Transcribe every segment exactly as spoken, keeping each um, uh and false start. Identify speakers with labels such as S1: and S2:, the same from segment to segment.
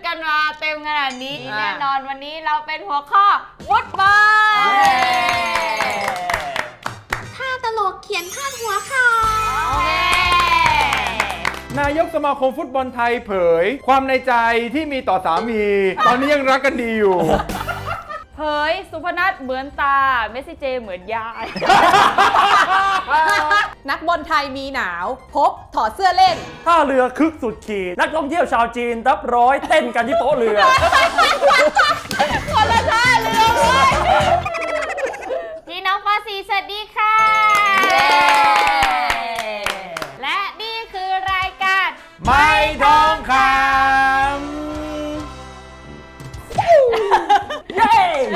S1: กันมาเต็มขนาดนี้แน่นอนวันนี้เราเป็นหัวข้อฟุตบอล
S2: ถ้าตลกเขียนพาดหัวข่าวน
S3: ายกสมาคมฟุตบอลไทยเผยความในใจที่มีต่อสามี ตอนนี้ยังรักกันดีอยู่
S1: เผยสุพนัทเหมือนตาเมสซี่เจเหมือนยาย
S4: นักบอลไทยมีหนาวพบถอดเสื้อเล่น
S5: ท่าเรือคึกสุดขีดนักท่องเที่ยวชาวจีนรับร้อยเต้นกันที่โป๊ะเรือ
S1: คนละท่าเรือเลยพี่น้องปอสีสวัสดีค่ะและนี่คือรายการ
S3: ไม่ทองคำ
S5: เย้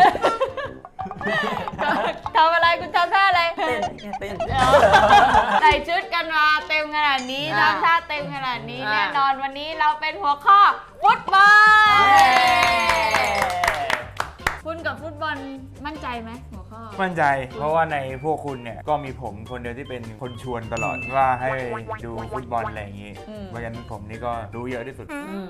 S1: ทำอะไรคุณทำท่าอะไร
S5: เต้นเต้น
S1: ใส่ชุดกันมาเต็มขนาดนี้ทำท่าเต็มขนาดนี้แน่นอนวันนี้เราเป็นหัวข้อฟุตบอลคุณกับฟุตบอลมั่นใจไหมหัวข้อ
S3: มั่นใจเพราะว่าในพวกคุณเนี่ยก็มีผมคนเดียวที่เป็นคนชวนตลอดว่าให้ดูฟุตบอลอะไรอย่างนี้เพราะฉะนั้นผมนี่ก็รู้เยอะที่สุด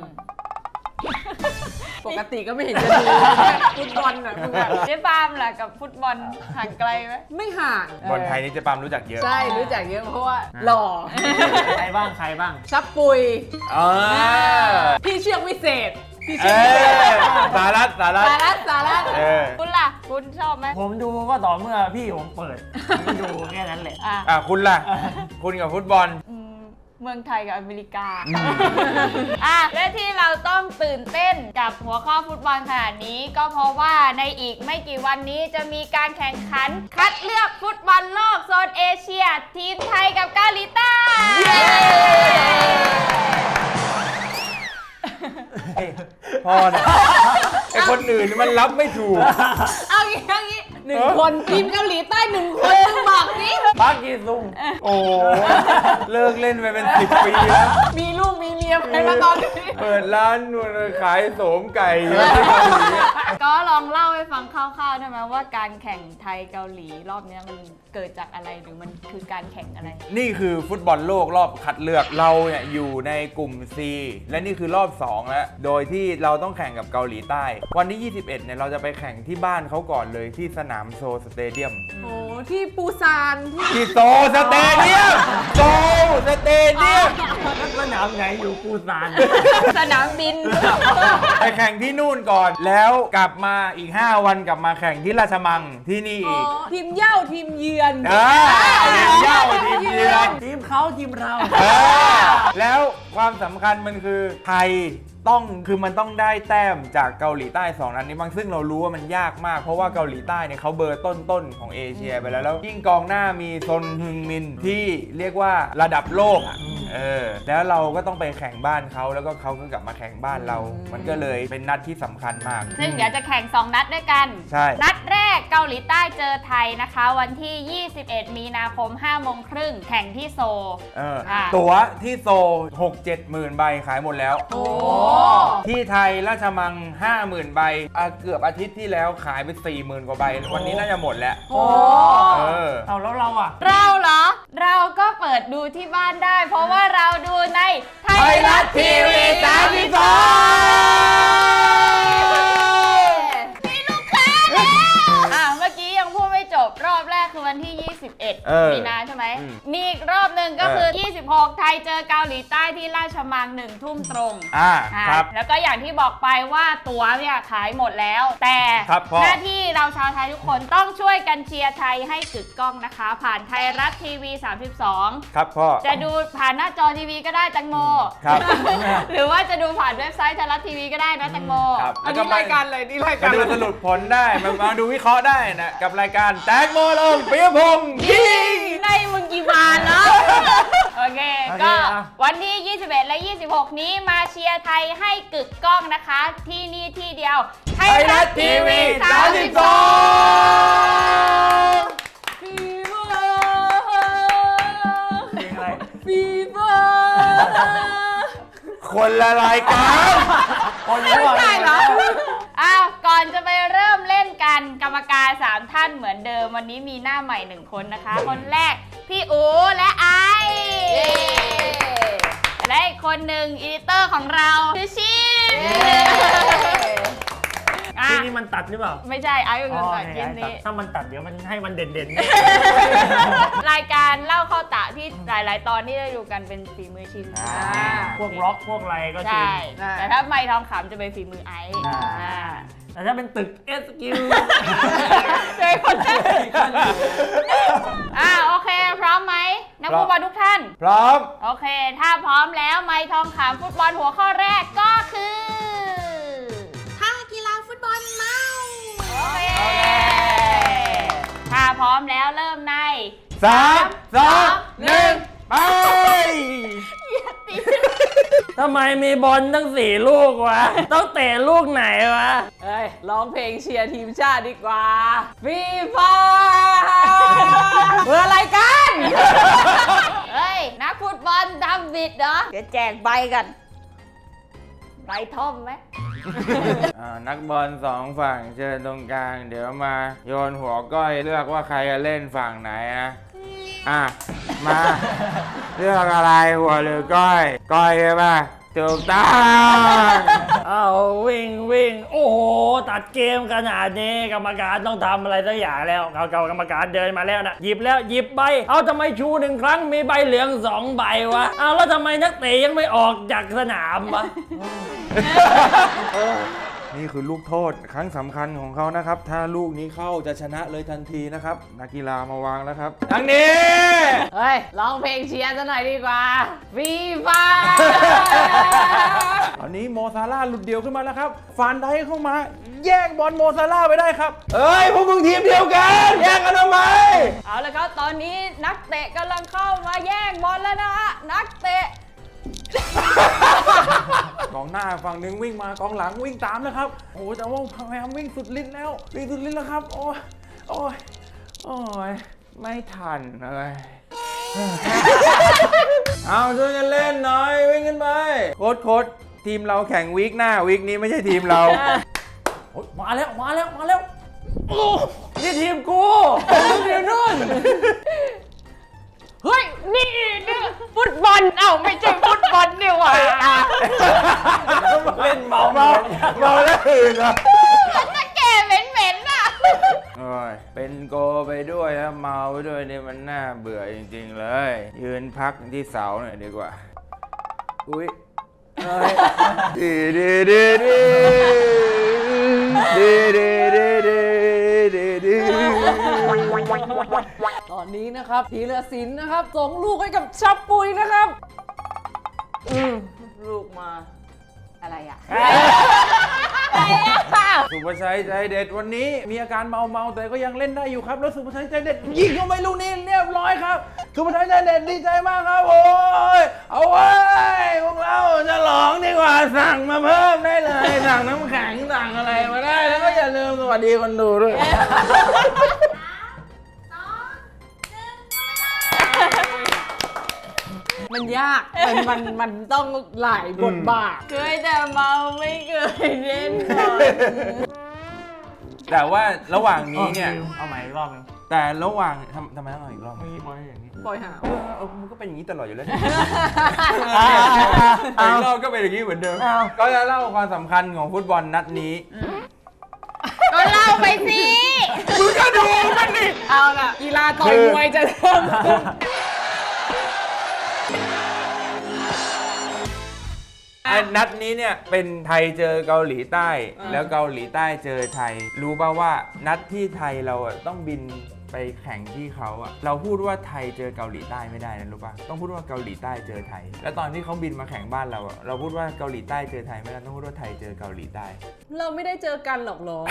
S4: ปกติก็ไม่เห็นจะดูฟุตบอลนะ
S1: เจ๊ปามล่ะกับฟุตบอลห่างไกลไหม
S4: ไม่ห่าง
S3: บอลไทยนี่เจ๊ปามรู้จักเยอะ
S4: ใช่รู้จักเยอะเพราะว่าหล่อ
S5: ใครบ้างใครบ้าง
S4: ซับปุยพี่เชือกวิเศษพี่เชือกวิเศษ
S3: สารัตสารัต
S4: สารัตสารัต
S1: คุณล่ะคุณชอบไหม
S5: ผมดูก็ต่อเมื่อพี่ผมเปิดผมดูแค่นั้นแหละ
S3: อ่ะคุณล่ะคุณกับฟุตบอล
S1: เมืองไทยกับอเมริกาอ่ะและที่เราต้องตื่นเต้นกับหัวข้อฟุตบอลขนาดนี้ก็เพราะว่าในอีกไม่กี่วันนี้จะมีการแข่งขันคัดเลือกฟุตบอลโลกโซนเอเชียทีมไทยกับเกาหลีใต้
S3: พอนะไอคนอื่นมันรับไม่ถูก
S4: เอางี้เอางี้หนึ่งคนทีมเกาหลีใต้หนึ่งคนมึงบอกนี่
S5: ปากีซุง
S3: โอ้เลิกเล่นไปเป็นสิบปีแล้ว
S4: มีลูกมีเมียไปแล้วตอนนี้
S3: เปิดร้านขายโสมไก่
S1: ก็ลองเล่าให้ฟังคร่าวๆได้ไหมว่าการแข่งไทยเกาหลีรอบนี้มันเกิดจากอะไรหรือมันคือการแข่งอะไร
S3: นี่คือฟุตบอลโลกรอบคัดเลือกเราเนี่ยอยู่ในกลุ่ม C และนี่คือรอบสองแล้วโดยที่เราต้องแข่งกับเกาหลีใต้วันที่ยี่สิบเอ็ดเนี่ยเราจะไปแข่งที่บ้านเขาก่อนเลยที่สนามโซสเตเดียม
S4: โอ้ที่ปูซาน
S3: ที่โซสเตเดียมโซสเตเดียม
S5: สนามไหนอยู่ปูซาน
S1: สนามบิน
S3: ไปแข่งที่นู่นก่อนแล้วกลับมาอีกห้าวันกลับมาแข่งที่ราชมังที่นี่อีก
S4: ทีมเย่าทีมเยือน
S3: ทีมเย่าทีมเยือน
S5: ทีมเขาทีมเรา
S3: แล้วความสำคัญมันคือไทยต้องคือมันต้องได้แต้มจากเกาหลีใต้สองนัดนี้บางซึ่งเรารู้ว่ามันยากมากเพราะว่าเกาหลีใต้เนี่ยเขาเบอร์ต้นๆของเอเชียไปแล้วแล้วยิ่งกองหน้ามีซนฮึงมินที่เรียกว่าระดับโลกอ่ะเออแล้วเราก็ต้องไปแข่งบ้านเขาแล้วก็เขาก็กลับมาแข่งบ้านเรามันก็เลยเป็นนัดที่สำคัญมาก
S1: ซึ่งเดี๋ยวจะแข่งสองนัดด้วยกัน
S3: ใช่
S1: นัดแรกเกาหลีใต้เจอไทยนะคะวันที่ยี่สิบเอ็ดมีนาคมห้าโมงครึ่งแข่งที่โซล
S3: เออตั๋วที่โซล หกเจ็ดหมื่น ใบขายหมดแล้ว
S1: โอ้
S3: ที่ไทยราชมัง ห้าหมื่น ใบเกือบอาทิตย์ที่แล้วขายไป สี่หมื่น กว่าใบวันนี้น่าจะหมดแล้ว
S1: โอ้
S3: เออ
S5: เอาแล้วเราอ่ะ
S1: เราเหรอเราก็เปิดดูที่บ้านได้เพราะว่าเราดูใน
S3: ไทยรัฐทีวีสามสิบสอง
S1: มีลูกค้าแล้วอ่ะเมื่อกี้ยังพูดไม่จบรอบแรกคือวันที่ยี่สิบเอ็ดมีนาใช่ไหมมีอีกรอบหนึ่งก็คือยี่สิบหกไทยเจอเกาหลีใต้ที่ราชมังหนึ่งทุ่มตรง
S3: อ่าครับ
S1: แล้วก็อย่างที่บอกไปว่าตั๋วเนี่ยขายหมดแล้วแต่หน้าที่เราชาวไทยทุกคนต้องช่วยกันเชียร์ไทยให้กึกก้องนะคะผ่านไทยรัฐทีวีสามสิบสอง
S3: ครับพ่อ
S1: จะดูผ่านหน้าจอทีวีก็ได้แตงโม
S3: ครับ
S1: หรือว่าจะดูผ่านเว็บไซต์ไทยรัฐทีวีก็ได้นะแตงโม
S4: อันนี้รายการอะไรนี่รายการ
S3: ดูสรุปผลได้มาดูวิเคราะห์ได้นะกับรายการแตงโมลงปิยพงษ์ยิง
S1: ในมึงกี่บาทเนาะโอเคก็วันที่ยี่สิบเอ็ดและยี่สิบหกนี้มาเชียร์ไทยให้กึกก้องนะคะที่นี่ที่เดียว
S3: ไทยรัฐทีวีสามสิบสอง
S4: ฟีเวอร์
S5: เพลงอะไร
S4: ฟีเวอร์
S3: คนละรายการ
S5: คนละรายการเหรอ
S1: อ้าวก่อนจะไปเริ่มเล่นกันกรรมการสามท่านเหมือนเดิมวันนี้มีหน้าใหม่หนึ่งคนนะคะคนแรกพี่อู๋และไอและอีกคนหนึ่งอีดิเตอร์ของเราคือชิน
S5: ตัดหรือเปล่า
S1: ไม่ใช่ไอ้เป็นคนตัดคลิป
S5: อ๋อ
S1: นี้
S5: ถ้ามันตัดเดี๋ยวมันให้มันเด่น
S1: รายการเล่าเข้าตะที่หลาย ๆ ตอนที่ได้ดูกันเป็นฝีมือชิน
S5: ๆพวกร็อกพวกอะไรก็จริ
S1: ใช่
S5: ง
S1: แต่ถ้าไม่ทองคำจะเป็นฝีมือไอ้
S5: อ่า
S1: อ่า
S5: แต่ถ้าเป็นตึกเอสกิล
S1: เจอคนแรกอ่าโอเค พร้อมไหมนักฟุตบอลทุกท่าน
S3: พร้อม
S1: โอเค ถ้าพร้อมแล้วไม่ทองคำฟุตบอลหัวข้อแรกก็คือ
S2: ท่ากีฬาฟุตบอลเมา
S1: โอเค ถ้าพร้อมแล้วเริ่มใน
S3: สามสองหนึ่งไป
S5: ทำไมมีบอลตั้งสี่ลูกวะ ต้องเตะลูกไหนวะ
S4: เอ้ยร้องเพลงเชียร์ทีมชาติดีกว่าฟีฟ่าเมื่ออะไรกัน
S1: เฮ้ย นักฟุตบอลทำบิดเหรอ เดี๋ยวแจกใบกัน ใบท่อมไหม
S3: อ่านักบอลสองฝั่งเชิญตรงกลาง เดี๋ยวมาโยนหัวก้อยเลือกว่าใครจะเล่นฝั่งไหนนะอ่ะมาเลือกอะไรหัวหรือก้อย ก้อยใช่ป่ะถูกต้อง
S5: เอาวิ่งวิ่งโอ้โห ตัดเกมขนาดนี้กรรมการต้องทำอะไรสักอย่างแล้วเขาเก่ากรรมการเดินมาแล้วนะหยิบแล้วหยิบใบ เอาทำไมชูหนึ่งครั้งมีใบเหลืองสองใบวะ เอาแล้วทำไมนักเตะยังไม่ออกจากสนามวะ
S3: นี่คือลูกโทษครั้งสำคัญของเขานะครับ ถ้าลูกนี้เข้าจะชนะเลยทันทีนะครับ นักกีฬามาวางแล้วครับทางนี้
S4: เฮ้ยร้องเพลงเชียร์ซะหน่อยดีกว่าฟีฟ่า
S3: ตอนนี้โมซาร่าหลุดเดียวขึ้นมาแล้วครับฟานไดเข้ามา แย่งบอลโมซาร่าไปได้ครับเอ้ยพวกมึงทีมเดียวกัน แย่งกันทำไม
S1: เอาละครับ ตอนนี้นักเตะกำลังเข้ามาแย่งบอลแล้วนะฮะ นักเตะ
S3: กองหน้าฝั่งหนึ่งวิ่งมากองหลังวิ่งตามนะครับโอ้แต่ว่าพยายามวิ่งสุดฤทธิ์แล้ววิ่งสุดฤทธิ์แล้วครับโอ้ยโอ้ยโอ้ยไม่ทันเลย เอาช่วยกันเล่นหน่อยวิ่งขึ้นไปโค้ชโค้ชทีมเราแข่งวีคหน้าวีคนี้ไม่ใช่ทีมเรา
S5: โอ๊ยมาแล้วมาแล้วมาแล้วโอ้นี่ทีมกูทีมนู่น
S1: เฮ้ย นี่นี่ฟุตบอล เอ้าไม่ใช่ฟุตบอลนี่หว่า
S5: เล่นเมา
S3: เมาเมาแล้วอื่นเหรอ
S1: นักแก่เหม็นๆน่ะ
S3: โอ้ยเป็นโกไปด้วยแล้วเมาไปด้วยนี่มันน่าเบื่อจริงๆเลย ยืนพักที่เสาหน่อยดีกว่าอุ้ยเอ้ยดีดีดีดีดีดีดีดีดีดี
S4: ตอนนี้นะครับธีรศิลป์นะครับส่งลูกให้กับชับปุยนะครับอืมลูกมา
S1: อะไรอ่ะ
S3: สุภชัยใจเด็ดวันนี้มีอาการเมาเมาๆแต่ก็ยังเล่นได้อยู่ครับแล้วสุภชัยใจเด็ดยิงเข้าไปลูกนี้เรียบร้อยครับสุภชัยใจเด็ดดีใจมากครับโอ้ยเอาไว้พวกเราจะหลองดีกว่าสั่งมาเพิ่มได้เลยสั่งน้ำแข็งสั่งอะไรมาได้แล้วก็อย่าลืมสวัสดีคนดูด้วย
S4: มันยาก มันมันมันต้องหลายบทบาท
S1: เคยแต่เมาไม่เคยเล่นบอล
S3: แต่ว่าระหว่างนี้เนี่ย
S5: เอาใหม่อีกรอบนึง
S3: แต่ระหว่างทำทำไมต้องเอาอีกรอบ
S5: ไม่บอลอย่างนี้
S4: ปล่อยหา
S3: เออเออมันก็เป็นอย่างนี้ตลอดอยู่แล้ว
S5: อ่า
S3: อีกรอบก็เป็นอย่างนี้เหมือนเดิม ก็จะเล่าความสำคัญของฟุตบอลนัดนี้
S1: ก็เล่าไปสิ
S3: มึงก็ดูมันดิ
S4: เอาล่ะกีฬาต่อยมวยจะเริ่มขึ้น
S3: ไอ้นัดนี้เนี่ยเป็นไทยเจอเกาหลีใต้ แล้วเกาหลีใต้เจอไทย รู้ป่าว่านัดที่ไทยเราอะต้องบินไปแข่งที่เขาอะเราพูดว่าไทยเจอเกาหลีใต้ไม่ได้นะรู้ป่ะต้องพูดว่าเกาหลีใต้เจอไทย แล้วตอนที่เขาบินมาแข่งบ้านเราอะเราพูดว่าเกาหลีใต้เจอไทยไม่ได้ต้องพูดว่าไทยเจอเกาหลีใต้
S4: เราไม่ได้เจอกันหรอกเหรอ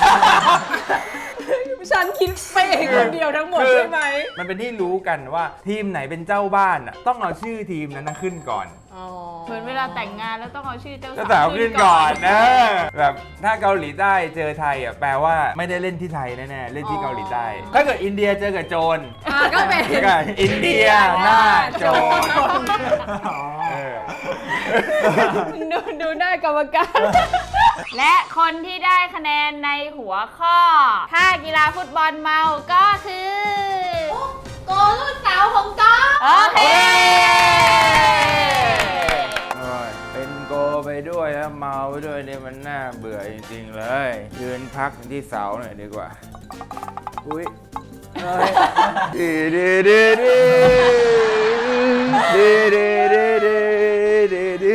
S4: ฉันคิดไปเองคนเดียวทั้งหมดใช่ไหม
S3: มันเป็นที่รู้กันว่าทีมไหนเป็นเจ้าบ้านอะต้องเอาชื่อทีมนั้นนะขึ้นก่อน
S4: อ๋อ
S1: เหมือนเวลาแต่งงานแล้วต้องเอาชื่อเจ้า
S3: เจ้าสาวขึ้นก่อนเออแบบถ้าเกาหลีใต้เจอไทยอ่ะแปลว่าไม่ได้เล่นที่ไทยแน่ๆเล่นที่เกาหลีใต้ ถ้าเกิดอินเดียเจอกับโจร
S4: อ่ะก็เป็น
S3: ก็อินเดียหน้าโจรเออ
S1: ดูดูหน้ากรรมการ และคนที่ได้คะแนนในหัวข้อถ้ากีฬาฟุตบอลเมาก็คือ
S2: โกลูกสาวของก๊อฟ
S1: โอเค
S3: โอ้ยเป็นโกไปด้วยแล้วเมาไปด้วยเนี่ยมันน่าเบื่อจริงๆเลยยืนพักที่เสาหน่อยดีกว่า อุ้ยเฮ้ยดีดีดีดีดีดีดีดีดี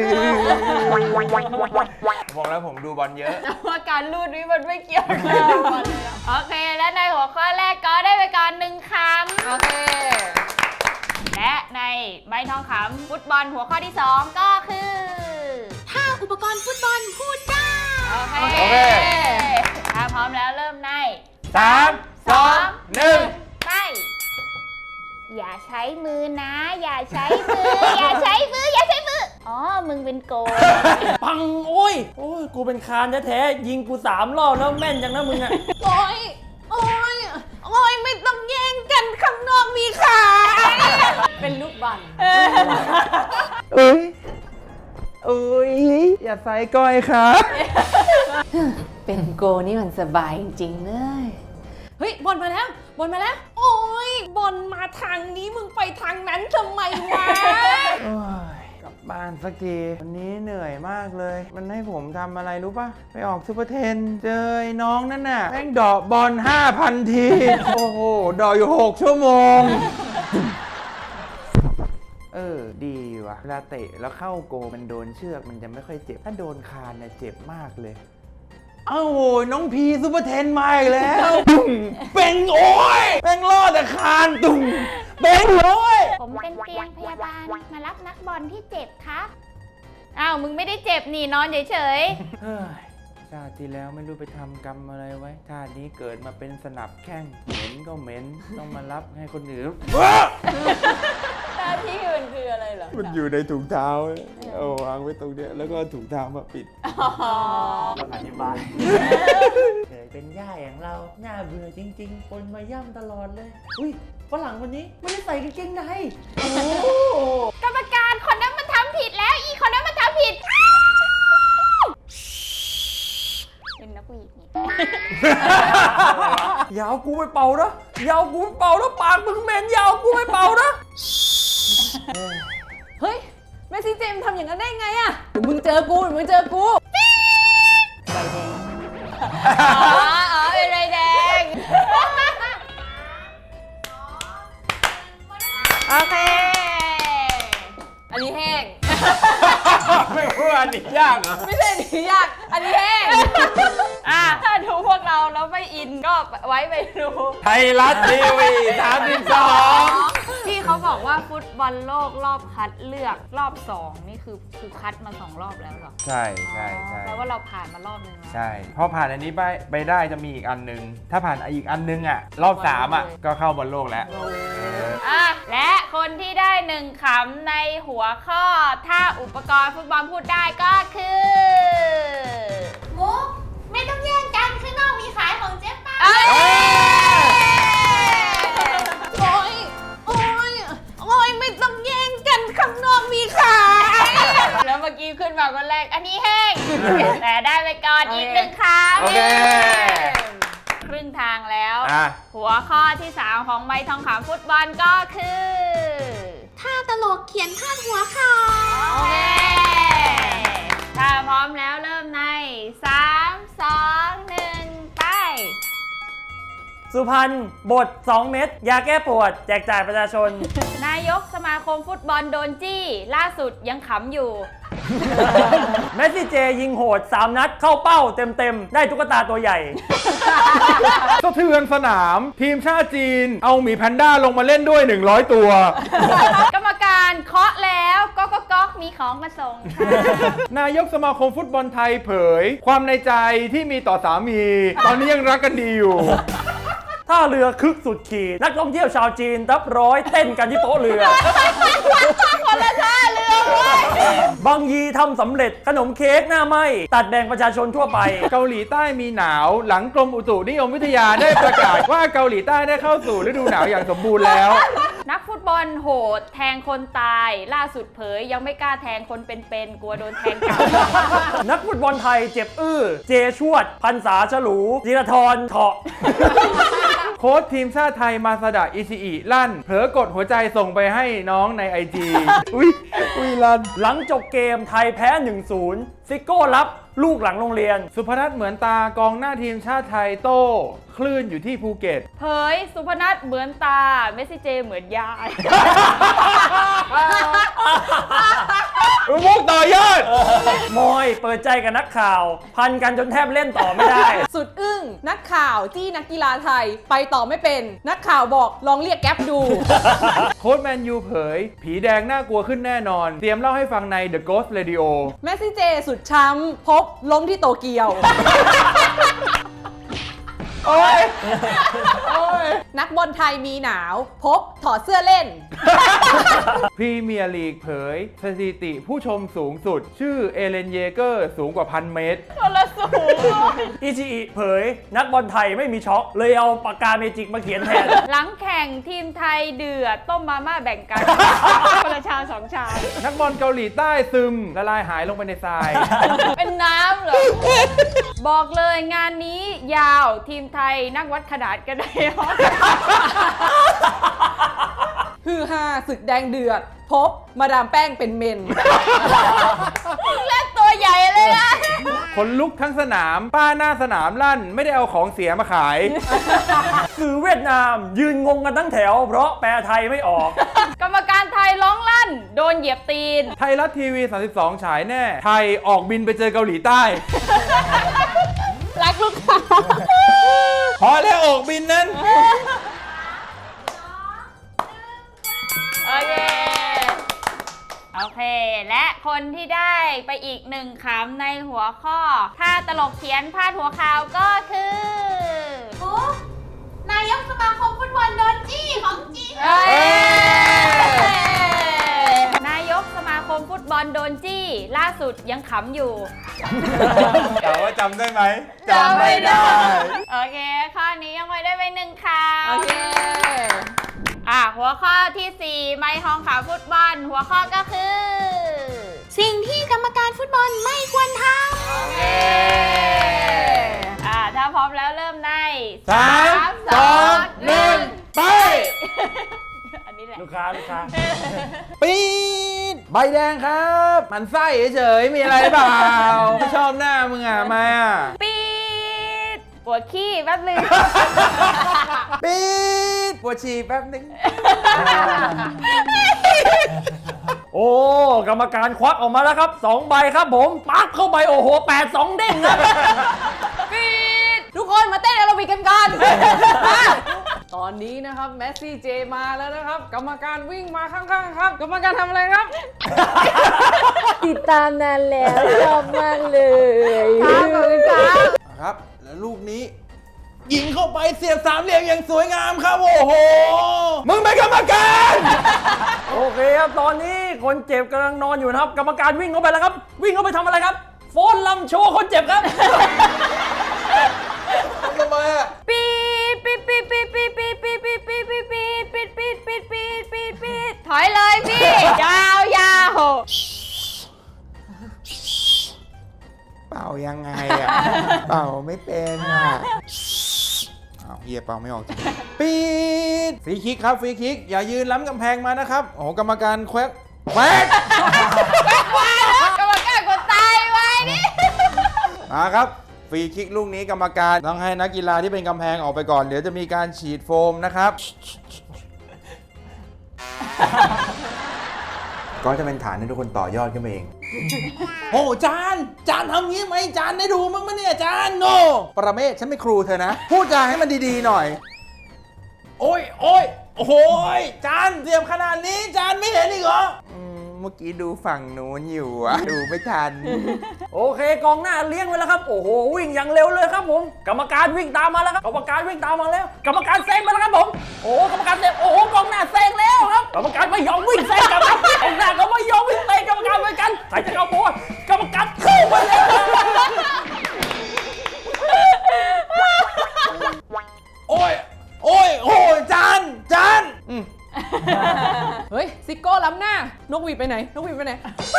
S3: บอกแล้วผมดูบอลเยอะ
S1: แต่ว่าการรูดนี้มันไม่เกี่ยวกับบอลโอเค และในหัวข้อแรกก็ได้ไปก่อนหนึ่งคำ
S4: โอเค
S1: และในใบทองคำฟุตบอลหัวข้อที่สองก็คือ
S2: ถ้าอุปกรณ์ฟุตบอลพูดได้
S1: โอเค
S3: โอเค
S1: ถ้าพร้อมแล้วเริ่มใน
S3: สามสองหนึ่ง
S1: ไปอย่าใช้มือนะ อย่าใช้มือ อย่าใช้มือ อย่าใช้มือ อ๋อ มึงเป็นโกล
S5: ปังโอ้ยโอ้ยกูเป็นคานแท้ๆยิงกูสามรอบแล้วแม่นจังนะมึงอะ
S2: โอ้ย โอ้ย โอ้ย ไม่ต้องแย่งกันข้างนอกมีขาย
S4: เป็นลูกบอล
S3: เอ้ยเอ้ยอย่าใส่ก้อยครับ
S4: เป็นโกนี่มันสบายจริงๆเลย เฮ้ย บอลมาแล้ว บอลมาแล้ว
S2: โอ้ย บอลมาทางนี้มึงไปทางนั้นทำไมวะ
S3: โอ้ยกลับบ้านสักทีวันนี้เหนื่อยมากเลย มันให้ผมทำอะไรรู้ปะไปออกซูเปอร์เทน เจอไอ้น้องนั่นน่ะแม่งเดอกบอล ห้าพัน ที โอ้โหเดอกอยู่ หก ชั่วโมง เออ ดีว่ะเวลาเตะแล้วเข้าโกมันโดนเชือกมันจะไม่ค่อยเจ็บ ถ้าโดนคานเนี่ยเจ็บมากเลย เอ้าโหน้องพีซูเปอร์เทนมาอีกแล้วตุ่มเป็นโอ้ยแม่งรอดแต่คานตุ่มเป็นโอ้ย
S1: ผมเป็นเตียงพยาบาล มารับนักบอลที่เจ็บครับ อ้าว มึงไม่ได้เจ็บนี่นอนเฉย
S3: เฮ้ยชาติที่แล้วไม่รู้ไปทำกรรมอะไรไว้ ชาตินี้เกิดมาเป็นสนับแข้งเหม็นก็เหม็น ต้องมารับให้คนอื่น
S4: หน้าที่มันคืออะไรเหรอ
S3: มันอยู่ในถุงเท้าเอาวางไว้ตรงเนี้ยแล้วก็ถุงเท้ามาปิด
S5: ต้องอธิบายเคยเป็นย่าอย่างเราหน้าเบื่อจริงๆ คนมาย่ำตลอดเลย อุ้ยฝรั่งคนนี้ไม่ได้ใส่กางเกงในโอ้โห
S1: ๆ กรรมการคนนั้นมันทำผิดแล้ว อีคนนั้นมันทำผิด เป็นนักวีดนี่
S5: อยาวกูไปเป่านะอยาวกูไปเป่านะปากมึงเหม็นอยาวกูไปเป่านะ
S4: เฮ้ยแม่ซีเจมส์ทำอย่างนั้นได้ไงอะเดี๋ยวมึงเจอกูเดี๋ยวมึงเจอกูใบแดง
S1: อ๋อ อ๋อ เป็นไรแดง โอเค
S4: อันนี้แห้ง
S3: ไม่พูดอันนี้ยากเหรอ
S4: ไม่ใช่อันนี้ยาก อันนี้แห้ง
S1: อ่ะ ถ้าดูพวกเราแล้วไม่อินก็ไว้ไปดู
S3: ไทยรัฐทีวีสามสิบสอง
S1: ที่เขาบอกว่าฟุตบอลโลกรอบคัดเลือกรอบสองนี่คือคือคัดมาสองรอบแล้วเหรอ
S3: ใช่ใช่ใช่
S1: แปลว่าเราผ่านมารอบนึงแล้ว
S3: ใช่พอผ่านอันนี้ไปไปได้จะมีอีกอันนึง ถ้าผ่านอีกอันนึงอ่ะ รอบสามอ่ะ ก็เข้าบอลโลกแล้วเออ
S1: อ่ะ และคนที่ได้หนึ่งคำในหัวข้อ ถ้าอุปกรณ์ฟุตบอลพูดได้ก็คือ
S2: มุก ไม่ต้องแย่งกันข้างนอกมีขายของเจ๊ป้า
S1: เอ้ย
S2: โอ้ย โอ้ย โอ้ย ไม่ต้องแย่งกันข้างนอกมีขาย
S1: แล้วเมื่อกี้ขึ้นมาคนแรก อันนี้แห้ง แต่ได้ไปก่อน
S4: โอเค
S1: อีกหนึ่งคำ
S3: โอเค
S1: ครึ่งทางแล้ว
S3: อ่ะ
S1: หัวข้อที่สามของใบทองคำฟุตบอลก็คือ
S2: ถ้าตลกเขียนพาดหัวข่าว
S1: โอเค ถ้าพร้อมแล้วเริ่มใน สาม สอง หนึ่ง ไป
S5: สุพรรณบทสองเม็ดยาแก้ปวด แจกจ่ายประชาชน
S1: นายกสมาคมฟุตบอลโดนจี้ ล่าสุดยังขำอยู่
S5: เมสซี่เจยิงโหดสามนัดเข้าเป้าเต็มๆ ได้ตุ๊กตาตัวใหญ่
S3: สะเทือนสนาม ทีมชาติจีน เอาหมีแพนด้าลงมาเล่นด้วย หนึ่งร้อย ตัว
S1: กรรมการเคาะแล้วก็ก็ก๊อกมีของมาส่งค่ะ
S3: นายกสมาคมฟุตบอลไทยเผย ความในใจที่มีต่อสามี ตอนนี้ยังรักกันดีอยู่
S5: ท่าเรือคึกสุดขีดนักท่องเที่ยวชาวจีนทับร้อยเต้นกันที่โป๊ะเรือ
S1: คนละท่าเรือเว้ย
S5: บางยีทำสำเร็จขนมเค้กหน้าไหมตัดแบ่งประชาชนทั่วไป
S3: เกาหลีใต้มีหนาวหลังกรมอุตุนิยมวิทยาได้ประกาศ ว่าเกาหลีใต้ได้เข้าสู่ฤดูหนาวอย่างสมบูรณ์แล้ว
S1: นักฟุตบอลโหดแทงคนตาย ล่าสุดเผยยังไม่กล้าแทงคนเป็นๆกลัวโดนแทงกลับ
S5: นักฟุตบอลไทยเจ็บอื้อ เจชวด พันษาฉลูจิรธรเถาะ
S3: โค้ชทีมชาติไทยมาซาดะอิชิอิลั่น เผลอกดหัวใจส่งไปให้น้องในไอจี อุ้ยอุ้ยลั่น
S5: หลังจบเกมไทยแพ้ หนึ่งศูนย์ ซิโก้รับลูกหลังโรงเรียน
S3: สุพนัทเหมือนตากองหน้าทีมชาติไทยโต้ คลื่นอยู่ที่ภูเก็ต
S1: เผยสุพนัทเหมือนตา เมสซี่เจเหมือนยาย
S3: มุกต่อยอด
S5: มอยเปิดใจกับนักข่าว พันกันจนแทบเล่นต่อไม่ได้
S4: สุดอึ้งนักข่าวที่นักกีฬาไทยไปต่อไม่เป็น นักข่าวบอกลองเรียกแก๊ปดู
S3: โค้ชแมนยูเผย ผีแดงน่ากลัวขึ้นแน่นอน เตรียมเล่าให้ฟังใน The Ghost Radio
S4: แมสซี่เจสุดช้ำพบล้มที่โตเกียว
S3: โอ้ย
S4: นักบอลไทยมีหนาว พบถอดเสื้อเล่น
S3: พรีเมียร์ลีกเผย สถิติผู้ชมสูงสุด ชื่อเอเลนเยเกอร์สูงกว่าพันเมตร
S1: คนละสูงเลย
S5: อิชิอิเผย นักบอลไทยไม่มีช็อค เลยเอาปากกาเมจิกมาเขียนแทน
S1: หลังแข่งทีมไทยเดือดต้มมาม่าแบ่งกัน คนละชามสองชาม
S3: นักบอลเกาหลีใต้ซึม ละลายหายลงไปในทราย
S1: เป็นน้ำเหรอ บอกเลยงานนี้ยาวทีมไทยนั่งวัดขนาดกันได้เหรอ
S4: ฮือฮาศึกแดงเดือด พบมาดามแป้งเป็นเมน
S1: เล่นตัวใหญ่เลยนะ
S3: คนลุกทั้งสนาม ป้าหน้าสนามลั่น ไม่ได้เอาของเสียมาขาย
S5: สื่อเวียดนามยืนงงกันทั้งแถว เพราะแปลไทยไม่ออก
S1: กรรมการไทยร้องลั่น โดนเหยียบตีน
S3: ไทยรัฐทีวี สามสิบสอง ฉายแน่ ไทยออกบินไปเจอเกาหลีใต้
S1: รักลูกค้า
S3: พอแล้วออกบินนั้น
S1: โอเค โอเค และคนที่ได้ไปอีกหนึ่งคำในหัวข้อ ถ้าตลกเขียนพาดหัวข่าวก็คือ
S2: นายกสมาคมฟุตบอลโดนจี้ของจริง
S1: เอ้ยนายกสมาคมฟุตบอลโดนจี้ ล่าสุดยังขำอยู่
S3: ถามว่าจำได้ไหม
S1: จำไม่ได้ โอเค ข้อนี้ยังไม่ได้ไปหนึ่งคำ
S4: โอเค
S1: อ่ะ หัวข้อที่สี่ไมค์ทองขาวฟุตบอล หัวข้อก็คือ
S2: สิ่งที่กรรมการฟุตบอลไม่ควรท
S1: เออ่าถ้าพร้อมแล้วเริ่มใน
S3: สามสองหนึ่งไป
S1: อันนี้แหละ
S5: ลูกค้าลูกค้า
S3: ปีดใบแดงครับ มันไส้เฉยๆมีอะไรเปล่า ไม่ชอบหน้ามึงอ่ะมาอ่ะ
S1: ปีดปวดขี้แป๊บนึง
S3: ปีดปวดฉี่แป๊บนึง
S5: โอ้กรรมการควักออกมาแล้วครับสองใบครับผมปักเข้าไปโอ้โหแปดสองเด้งครับ
S1: ปีด
S4: ทุกคนมาเต้นแอโรบิกกันก่อน ตอนนี้นะครับแมสซี่เจมาแล้วนะครับ กรรมการวิ่งมาข้างๆครับ กรรมการทำอะไรครับ
S6: ติดตามนานแล้วชอบมากเลย
S1: ครับขอบคุณครับ
S3: ครับ แล้วลูกนี้ ยิงเข้าไปเสียบสามเหลี่ยมอย่างสวยงามครับ โอ้โห มึงเป็นกรรมการ
S5: โอเคครับตอนนี้คนเจ็บกำลังนอนอยู่นะครับ กรรมการวิ่งเข้าไปแล้วครับ วิ่งเข้าไปทำอะไรครับโฟนลำโชว์คนเจ็บครับ
S3: ทำไมอ่ะ
S1: ปีดปีดปีดปีดปีดปีดปีดปีดปีดปีดปีดปีดปีดปีดปีดปีดปีดถอยเลยพี่ ยาวยาว
S3: เป่ายังไงอ่ะ เป่าไม่เป็นอ่ะอ้าวเฮียเป่าไม่ออกจริงปีดฟรีคิกครับฟรีคิก อย่ายืนล้ำกำแพงมานะครับ โอ้โหกรรมการแควกแควก
S1: กรรมการคนตายไว้นี่
S3: มาครับฟรีคิกลูกนี้กรรมการต้องให้นักกีฬาที่เป็นกำแพงออกไปก่อน เดี๋ยวจะมีการฉีดโฟมนะครับ ก็จะเป็นฐานให้ทุกคนต่อยอดขึ้นมาเอง โอ้จานจานทำงี้ไหมจานได้ดูมั้งมั้ยเนี่ยจานโนประเมศฉันไม่ครูเธอนะ พูดจาให้มันดีๆหน่อย โอ้ยโอ้ยโอ้โหยจานเสียบขนาดนี้จานไม่เห็นอีกเหรออืมเมื่อกี้ดูฝั่งนู้นอยู่อะดูไม่ทัน
S5: โอเคกองหน้าเลี้ยงไว้แล้วครับ โอ้โหวิ่งอย่างเร็วเลยครับผม กรรมการวิ่งตามมาแล้วครับ กรรมการวิ่งตามมาแล้ว กรรมการแซงมาแล้วครับผม โอ้โหกรรมการแซงโอ้โหกองหน้าแซงแล้วครับ กรรมการไม่ยอมวิ่งแซงกรรมการกองหน้าก็ไม่ยอมวิ่งแซงกรรมการเหมือนกันใครจะเอาโบว์กรรมการเข้ามาแล้ว
S3: โอ้ย โอ้ย โอ้ย จาน จานอืม
S4: เฮ้ย ซิโก้ล้ำหน้า นกหวีดไปไหน นกหวีดไปไหน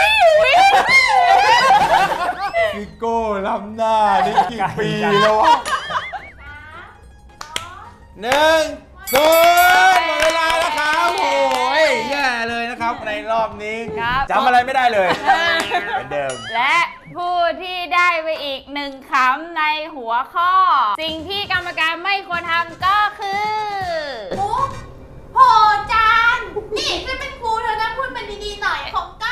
S3: พี่โก้ล้ำหน้านี่กี่ปีแล้ววะหนึ่งศูนย์หมดเวลาแล้วครับโอ้ยแย่เลยนะครับในรอบนี้
S1: ครับ
S3: จำอะไรไม่ได้เลยเหมือนเดิม
S1: และผู้ที่ได้ไปอีกหนึ่งคำในหัวข้อ สิ่งที่กรรมการไม่ควรทำก็คือ
S2: มุกโหจาน นี่ฉันเป็นครูเธอนะพูดมันดีๆหน่อยของก้าว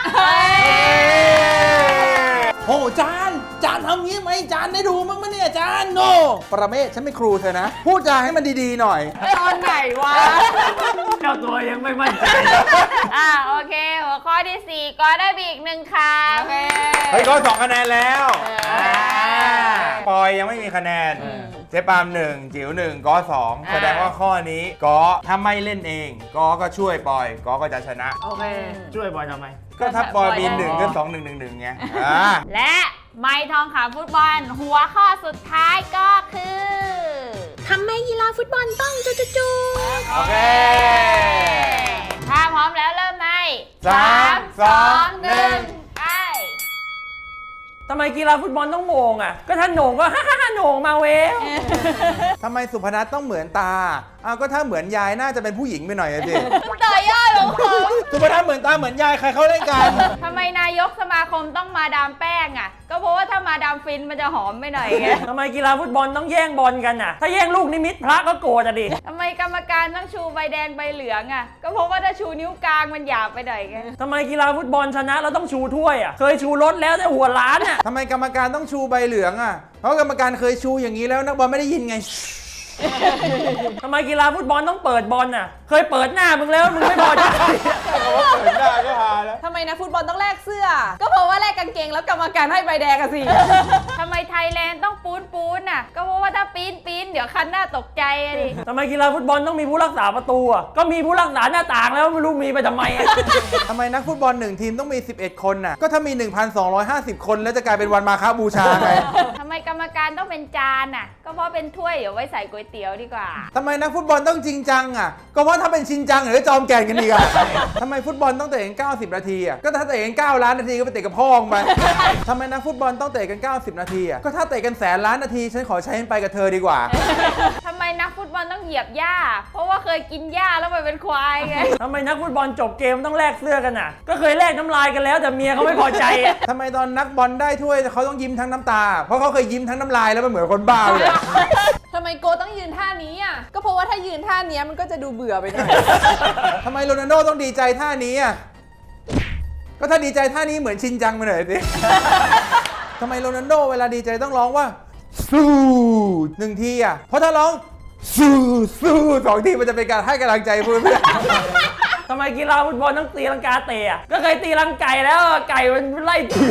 S3: โอ้จานจานทำงี้ไหมจานได้ดูมั้งมั้ยเนี่ยจานโนประเมศฉันเป็นครูเธอนะ พูดจาให้มันดีๆหน่อย
S4: ตอนไหนวะ
S5: เจ้าตัวยังไม่มั่นใจ
S1: อ่าโอเค หัวข้อที่สี่ก็ได้ไปอีกหนึ่งคำ
S4: โอเค
S3: เฮ้ยก็สองคะแนนแล้ว
S1: เอออ่
S3: าปอยยังไม่มีคะแนน เจ๊ปาล์มหนึ่งจิ๋วหนึ่งก็สองแสดงว่าข้อนี้ก็ถ้าไม่เล่นเองก็ก็ช่วยปอยก็ก็จะชนะ
S4: โอเค
S5: ช่วยบอยทำไม
S3: ก็ถ้าปอยมี
S1: ปอยได้
S3: หนึ่งก็สองหนึ่งหนึ่งหนึ่งไงอ่า
S1: และไม้ทองขาวฟุตบอล หัวข้อสุดท้ายก็คือ
S2: ทำไมกีฬาฟุตบอลต้องจุจุ
S3: โอเค
S1: ถ้าพร้อมแล้วเริ่มใน
S3: สามสองหนึ่ง
S1: ไป
S5: ทำไมกีฬาฟุตบอลต้องโหน่งอ่ะ ก็ถ้าโหน่งก็ ฮ่าฮ่าฮ่าโหน่งมาเวล
S3: ทำไมสุพนัทต้องเหมือนตาอ้าวก็ถ้าเหมือนยายน่าจะเป็นผู้หญิงไปหน่อยอะสิ
S1: ต่อยอดของผม
S3: สุพนัทเหมือนตาเหมือนยายใครเขาเล่นกัน
S1: ทำไมนายกสมาคมต้องมาดามแป้งอ่ะ ก็เพราะว่าถ้ามาดามฟินมันจะหอมไปหน่อยไง
S5: ทำไมกีฬาฟุตบอลต้องแย่งบอลกันอ่ะ ถ้าแย่งลูกนิมิตพระก็โกรธอ่ะดิ
S1: ทำไมกรรมการต้องชูใบแดงใบเหลืองอ่ะ ก็เพราะว่าถ้าชูนิ้วกลางมันหยาบไปหน่อยไง
S5: ทำไมกีฬาฟุตบอลชนะเราต้องชูถ้วยอ่ะ เคยชูรถแล้วแต่หัวล้านอ่ะ
S3: ทำไมกรรมการต้องชูใบเหลืองอ่ะ เพราะกรรมการเคยชูอย่างนี้แล้วนักบอลไม่ได้ยินไง
S5: ทำไมกีฬาฟุตบอลต้องเปิดบอลน่ะ เคยเปิดหน้ามึงแล้วมึงไม่พอใจ
S3: เปิดหน้าก็หาแล้ว
S4: ทำไมนะฟุตบอลต้องแลกเสื้อ ก็เพราะว่าแลกกางเกงแล้วกรรมการให้ใบแดงอะสิ
S1: ทำไมไทยแลนด์ต้องปูนปูนอ่ะ ก็เพราะว่าถ้าปีนปีนเดี๋ยวคันหน้าตกใจอะดิ
S5: ทำไมกีฬาฟุตบอลต้องมีผู้รักษาประตูอ่ะ ก็มีผู้รักษาหน้าต่างแล้วไม่รู้มีไปทำไมอ่ะ
S3: ทำไมนักฟุตบอลหนึ่งทีมต้องมี สิบเอ็ด คนน่ะ ก็ถ้ามี หนึ่งพันสองร้อยห้าสิบ คนแล้วจะกลายเป็นวันมาฆบูชาไง
S1: ทำไมกรรมการต้องเป็นจานอ่ะ ก็เพราะเป็นถ้วยเดี๋ยวไว้ใส่ก๋วยเตี๋ยวดีกว่า
S3: ทำไมนักฟุตบอลต้องจริงจังอ่ะ ก็เพราะถ้าเป็นชินจังหรือจอมแก่นกันดีกว่าทำไมฟุตบอลต้องเตะกันเก้าสิบนาทีอ่ะ ก็ถ้าเตะกันเก้าล้านนาทีก็ไปเตะกับพ่อมึงไปทำไมนักฟุตบอลต้องเตะกันเก้าสิบนาทีอ่ะ ก็ถ้าเตะกันแสนล้านนาทีฉันขอใช้มันไปกับเธอดีกว่า
S1: ทำไมนักฟุตบอลต้องเหยียบหญ้า เพราะว่าเคยกินหญ้าแล้วไปเป็นควายไง
S5: ทำไมนักฟุตบอลจบเกมต้องแลกเสื้อกันอ่ะ ก็เคยแลกน้ำลายกันแล้วแต่เมียเขาไม่พอใจอ่ะ
S3: ทำไมตอนนักบอลได้ถ้วยเขาต้องยิ้มทั้งน้ำตา เพราะเขาเคยยิ้มทั้งน้ำลายแล้วมันเหมือนคนบ้าเลย
S4: ทำไมโกต้องยืนท่านี้อ่ะ ก็เพราะว่าถ้ายืนท่านี้มันก็จะดูเบื่อไปหน่อย
S3: ทำไมโรนัลโดต้องดีใจท่านี้อ่ะ ก็ถ้าดีใจท่านี้เหมือนชินจังไปหน่อยสิ ทำไมโรนัลโดเวลาดีใจต้องร้องว่า สู้หนึ่งทีอ่ะ เพราะถ้าร้องสู้สู้สองทีมันจะเป็นการให้กำลังใจเพื่อน
S5: ทำไมกีฬาฟุตบอลต้องตีลังกาเตะอ่ะ ก็เคยตีลังไก่แล้วไก่มันไล่ตี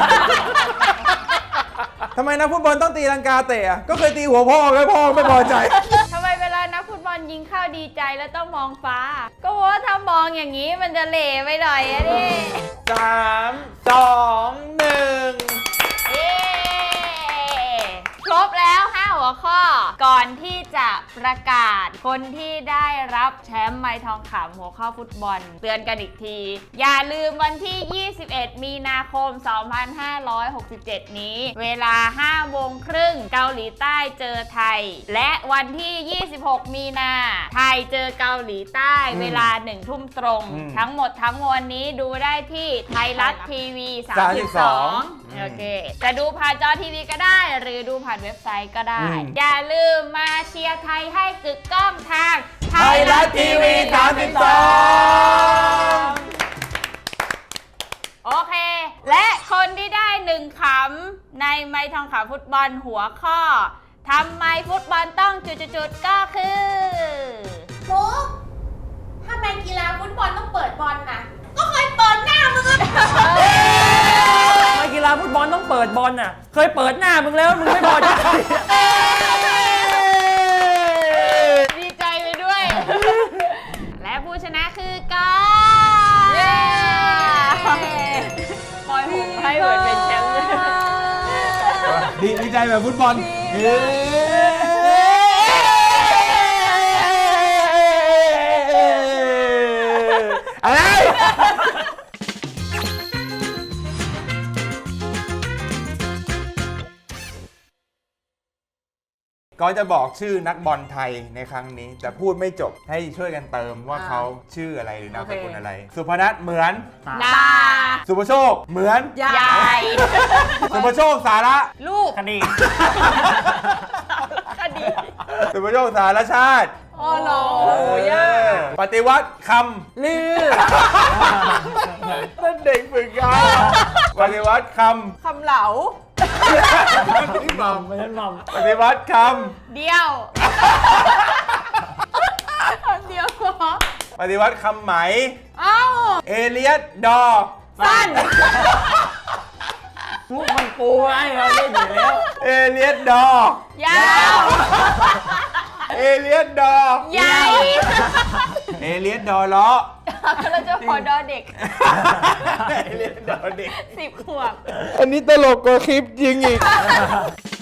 S3: ทำไมนักฟุตบอลต้องตีลังกาเตะอ่ะ ก็เคยตีหัวพ่อแล้วพ่อไม่พอใจ
S1: ทำไมเวลานักฟุตบอลยิงเข้าดีใจแล้วต้องมองฟ้า ก็เพราะว่าถ้ามองอย่างนี้มันจะเหล่ไปหน่อยอะดิ
S3: สามสองหนึ่ง
S1: เย้ครบแล้วห้าหัวข้อ ก่อนที่จะประกาศคนที่ได้รับแชมป์ไม้ทองคำหัวข้อฟุตบอล เตือนกันอีกที อย่าลืมวันที่ ยี่สิบเอ็ด มีนาคม สองพันห้าร้อยหกสิบเจ็ด นี้ เวลา ห้าโมงครึ่งเกาหลีใต้เจอไทย และวันที่ ยี่สิบหก มีนา ไทยเจอเกาหลีใต้ เวลาหนึ่งทุ่มตรง
S3: อืม
S1: ทั้งหมดทั้งมวลนี้ดูได้ที่ไทยรัฐทีวี สามสิบสอง โอเค จะดูผ่านจอทีวีก็ได้ หรือดูผ่านเว็บไซต์ก็ได้ อย่าลืมมาเชียร์ไทยให้กึกก้องทาง
S3: ไทยรัฐทีวีสามสิบสอง
S1: โอเค และคนที่ได้หนึ่งขำในไม้ทองขำฟุตบอลหัวข้อทำไมฟุตบอลต้องจุดๆๆก็คือ
S2: มุกทำไมกีฬาฟุตบอลต้องเปิดบอลน่ะ ก็เคยเปิดหน้ามึงอะ
S5: ทำไมกีฬาฟุตบอลต้องเปิดบอลน่ะ เคยเปิดหน้ามึงแล้วมึงไม่พอใจ
S1: ดีใจไปด้วย และผู้ชนะคือกอ
S4: เย้
S1: คอยผมให้เหมือนเป็นแชมป์เลย
S3: ดีดีใจแบบฟุตบอลเย้อะไรก็จะบอกชื่อนักบอลไทยในครั้งนี้ แต่พูดไม่จบให้ช่วยกันเติมว่า
S4: อ่า
S3: เขาชื่ออะไรหรือนามสกุล
S4: โอเค
S3: อะไร สุพนัทเหมือน
S1: ดา
S3: สุภโชคเหมือน
S4: ยาย
S1: าย
S3: สุภโชคสาระ
S1: ลูก
S5: คดี
S1: คดี
S3: สุภโชคสารชาติ
S4: อ๋อเหรอโอ้ยาก
S3: ปฏิวัติค
S4: ลือ
S3: ำนั่นเด็กฝึกงานปฏิวัติค
S4: คำเหลา
S3: ำพี่บอม
S5: ไม่ใช่หม่อม
S3: ปฏิวัติค
S1: เดียวคำเดียวเหรอ
S3: ำปฏิวัติคำไหม
S1: เอ้า
S3: เอเลียสดอ
S1: สั้น
S5: มุกมันปูไว้เราเล่นอยู่แล้ว
S3: เอเลียสดอ
S1: ยาว
S3: เอเลียสดอ
S1: ใหญ่
S3: เอเลียสดอล้อ
S1: เราจะขอดอเด็ก
S3: เอเลียสดอเด็ก
S1: สิบขวบ
S3: อันนี้ตลกกว่าคลิปจริงอีก